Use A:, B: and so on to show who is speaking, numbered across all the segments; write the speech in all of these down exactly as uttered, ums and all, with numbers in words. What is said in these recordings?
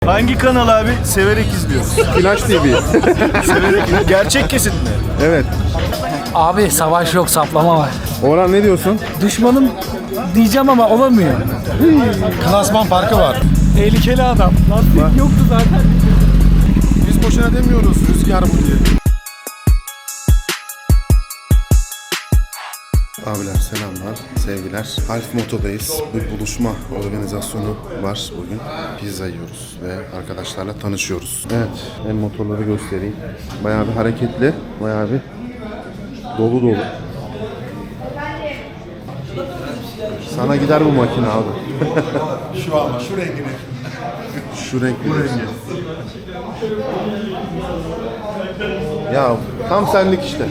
A: Hangi kanal abi? Severek izliyoruz.
B: Flash T V.
A: Severek. Gerçek kesit mi?
B: Evet.
C: Abi savaş yok, saplama var.
B: Orhan ne diyorsun?
C: Düşmanım diyeceğim ama olamıyor.
D: Klasman farkı var.
C: Tehlikeli adam. Lastik yoktu zaten.
D: Biz boşuna demiyoruz rüzgar bu diye.
B: Abiler selamlar, sevgiler. Half Moto'dayız. Bir buluşma organizasyonu var bugün. Pizza yiyoruz ve arkadaşlarla tanışıyoruz. Evet, ben motorları göstereyim. Bayağı bir hareketli, bayağı bir dolu dolu. Sana gider bu makine abi.
D: Şu ama şu rengini.
B: Şu renk. Bu rengi. Ya tam senlik işte.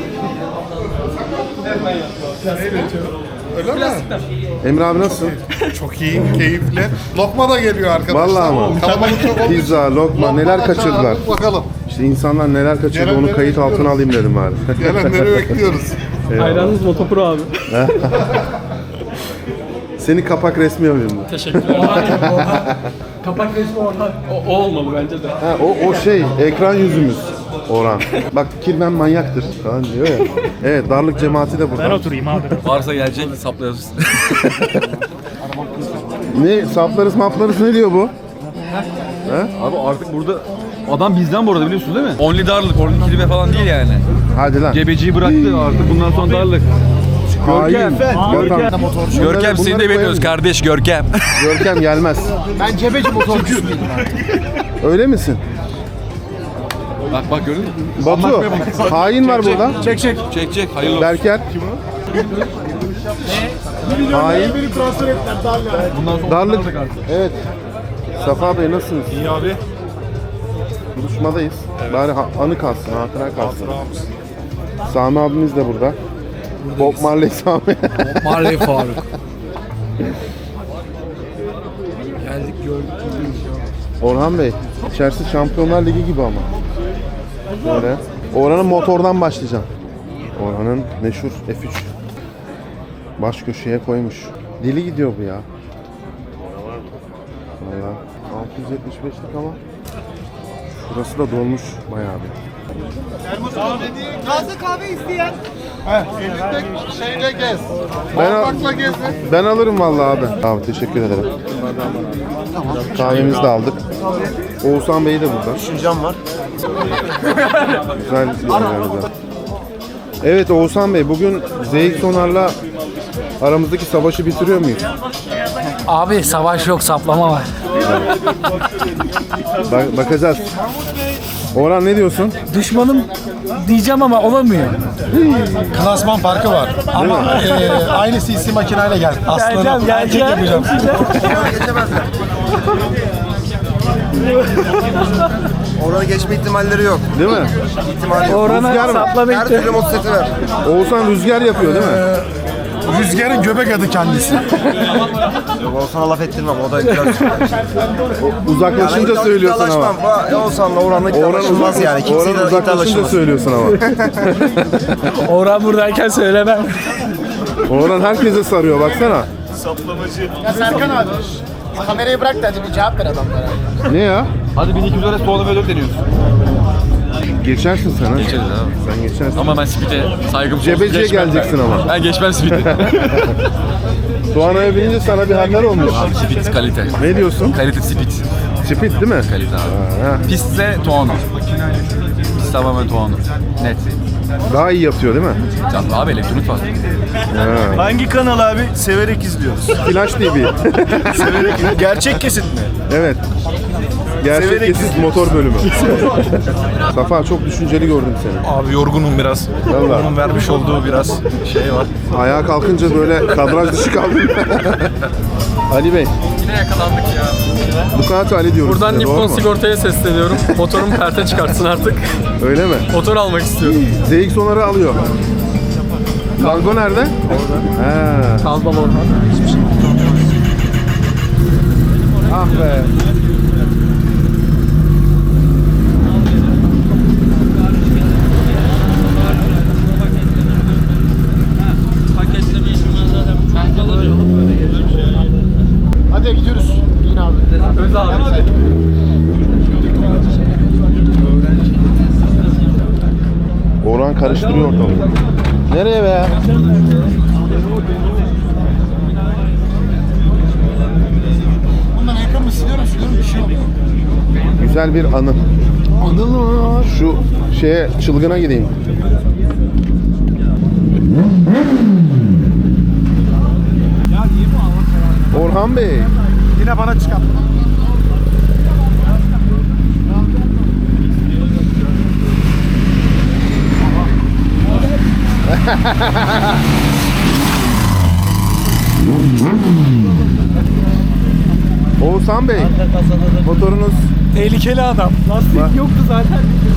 D: Öyle mi?
B: Emre abi nasılsın?
D: Çok iyi, keyifli. Lokma da geliyor arkadaşlar.
B: Vallahi ama.
D: Kalabalık çok olmuş.
B: Pizza, lokma neler kaçırdılar.
D: Bakalım.
B: İşte insanlar neler kaçırdı onu
D: Gelenleri
B: kayıt altına
D: bekliyoruz.
B: alayım dedim abi.
D: Gelenleri bekliyoruz.
C: Hayranınız Motopro abi.
B: Seni kapak resmi alayım da.
C: Teşekkürler. Kapak resmi orada. O, o olmalı bence de.
B: Ha, o, o şey ekran yüzümüz Orhan. Bak kirmen manyaktır falan diyor ya. Evet darlık cemaati de burada.
C: Ben oturayım abi.
E: Varsa gelecek saplayacağız.
B: Ne saplarız maplarız ne diyor bu?
E: Abi artık burada adam bizden bu arada biliyorsun değil mi? Only darlık, only kelime falan değil yani.
B: Hadi lan.
E: Gebeciyi bıraktı artık bundan sonra darlık.
B: Görkem. Görkem.
E: Görkem seni de bekliyoruz kardeş Görkem.
B: Görkem gelmez.
D: Ben cebeci motorcuyum.
B: Öyle misin?
E: bak bak gördün mü?
B: Batu. Hain var burada.
D: Çek çek.
E: Çek çek hayırlı olsun.
B: Berker. Hain.
D: Beni transfer ettiler darla.
E: Bundan sonra
B: Darlık.
E: darlık artık.
B: Evet. Safa Bey nasılsınız?
D: İyi abi.
B: Buluşmadayız. Bari ha- anı kalsın, hatıra kalsın. Sami abimiz de burada. Bob Marley Sami.
C: Marley Faruk.
B: Orhan Bey, içerisi Şampiyonlar Ligi gibi ama. Böyle. Orhan'ın motordan başlayacağım. Orhan'ın meşhur F üç. Baş köşeye koymuş. Deli gidiyor bu ya. Valla altı yüz yetmiş beşlik ama burası da dolmuş bayağı bir.
D: Taze kahve isteyen. Heh, elinde şeyle gez.
B: Ben, al-
D: Bakla gez.
B: ben alırım vallahi abi. Abi teşekkür ederim. Kahvemizi de aldık. Oğuzhan Bey de burada.
D: Düşüncem var.
B: Güzel bir organizasyon. Evet Oğuzhan Bey bugün Z X Onar'la aramızdaki savaşı bitiriyor muyuz?
C: Abi savaş yok, saplama var.
B: Bak- bakacağız. Orhan ne diyorsun?
C: Düşmanım diyeceğim ama olamıyor.
D: Klasman farkı var. Ama e, aynı C C makineyle gel. Aslanım. Erkek yapacağım.
F: Orada geçme ihtimalleri yok.
B: Değil mi?
F: İhtimali yok.
C: Orana
B: Rüzgar mı?
C: saplama
F: Her
C: gitti.
F: türlü motosikleti ver.
B: Oğuzhan rüzgar yapıyor değil mi?
D: Rüzgarın göbek adı kendisi.
F: Oğuzhan'a laf ettirmem. O da biraz...
B: Uzaklaşınca söylüyorsun ama.
F: ama. Oğuzhan'la Orhan'la
B: Orhan,
F: iddialaşılmaz
B: uzak,
F: yani. Kimseyle
B: Orhan uzaklaşınca
F: iddialaşılmaz.
B: söylüyorsun ama.
C: Orhan buradayken söylemem.
B: Orhan herkese sarıyor baksana.
D: Ya Serkan abi. Kamerayı bırak da hadi bir cevap ver adamlara.
B: Ne ya?
E: Hadi bin iki yüz lira soğanı böyle deniyoruz.
B: Geçersin sen ha.
E: Geçeriz abi.
B: Sen geçersin.
E: Ama ben speed'e saygım sonsuz
B: Cebeciye
E: geçmem.
B: geleceksin ama.
E: Ben geçmem speed'e.
B: Doğanay'a binince sana bir haller olmuş.
E: Abi speed kalite.
B: Ne diyorsun?
E: Kalite speed.
B: Speed değil mi?
E: Kalite abi.
B: Ha,
E: Pistse Tuono. Pist tamamen Tuono. Net.
B: daha iyi yapıyor değil mi?
E: Canlı abi elektronik var.
A: Hangi kanal abi? Severek izliyoruz.
B: Flash T V.
A: Severek. Gerçek kesit mi?
B: Evet. Gerçek
A: Severek
B: kesit motor bölümü. Safa çok düşünceli gördüm seni.
D: Abi yorgunum biraz.
B: Vallahi.
D: Onun vermiş olduğu biraz şey var.
B: Ayağa kalkınca böyle kadraj dışı kaldım. Ali Bey,
G: Yine yakalandık ya.
B: Ducati Ali diyoruz
G: Buradan
B: size, doğru
G: Nippon
B: mu?
G: Sigorta'ya sesleniyorum. Motorumu perte çıkartsın artık.
B: Öyle mi?
G: Motor almak istiyorum.
B: Z X Onar'ı alıyor. Kargo nerede? Orada. He.
G: Kazbal Orhan.
B: Ah be.
D: Hadi gidiyoruz. Yine abi.
G: Öz abi.
B: karıştırıyor ortalığı. Nereye be?
D: Bundan ayakkabımı siliyorum siliyorum bir şey oluyor.
B: Güzel bir anı.
D: Anıl mı?
B: Şu şeye çılgına gideyim. Orhan Bey.
D: Yine bana çıkar.
B: Oğuzhan Bey. Motorunuz
D: Tehlikeli adam. Lastik yoktu zaten.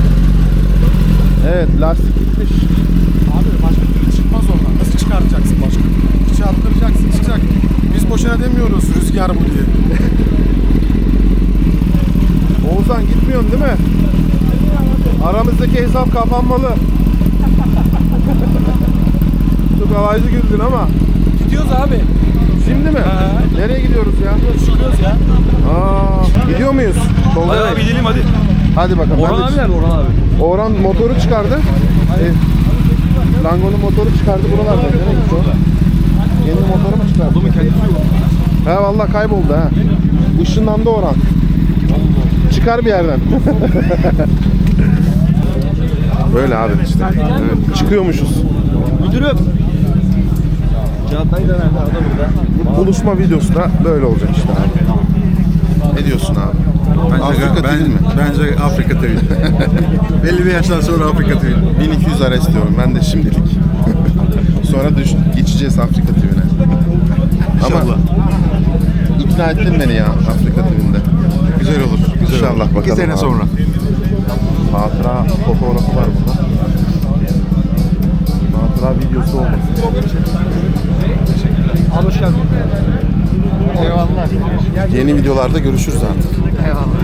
B: evet lastik gitmiş.
D: Abi başka türlü çıkmaz oradan. Nasıl çıkartacaksın başka türlü? Çarptıracaksın çıkacak. Biz boşuna demiyoruz rüzgar bu diye.
B: Oğuzhan gitmiyorsun değil mi? Aramızdaki hesap kapanmalı. Çok havaycı güldün ama.
D: Gidiyoruz abi.
B: Şimdi mi? Nereye gidiyoruz ya?
D: Çıkıyoruz ya.
B: Aa, gidiyor muyuz? Tolga
E: Hadi
B: Bey.
E: abi gidelim hadi.
B: Hadi bakalım.
E: Orhan
B: Ben de-
E: abi nerede Orhan abi?
B: Orhan motoru çıkardı. E, Lango'nun motoru çıkardı buralarda. Nereye gitti o? Yeni motoru mu çıkardı?
E: Adamın kendisi yok.
B: He vallahi kayboldu ha. Işınlandı Orhan. Çıkar bir yerden. Böyle abi işte. Evet, çıkıyormuşuz.
A: Müdürüm. Çağatay da nerede? O da burada.
B: Bu buluşma videosu da böyle olacak işte abi. Ne diyorsun abi? Afrika değil mi?
H: Bence Afrika T V. Belli bir yaştan sonra Afrika T V.
B: bin iki yüz ara istiyorum ben de şimdilik. Sonra düş, geçeceğiz Afrika T V'ne. Ama
H: İnşallah.
B: ikna ettin beni ya Afrika T V'nde.
H: Güzel olur. Güzel
B: İnşallah
H: olur.
B: bakalım
H: İki sene
B: abi.
H: sonra.
B: Hatıra fotoğrafı var burada. Hatıra videosu olmasın.
C: Al hoş geldin. Eyvallah.
B: Yeni videolarda görüşürüz artık.
C: Eyvallah.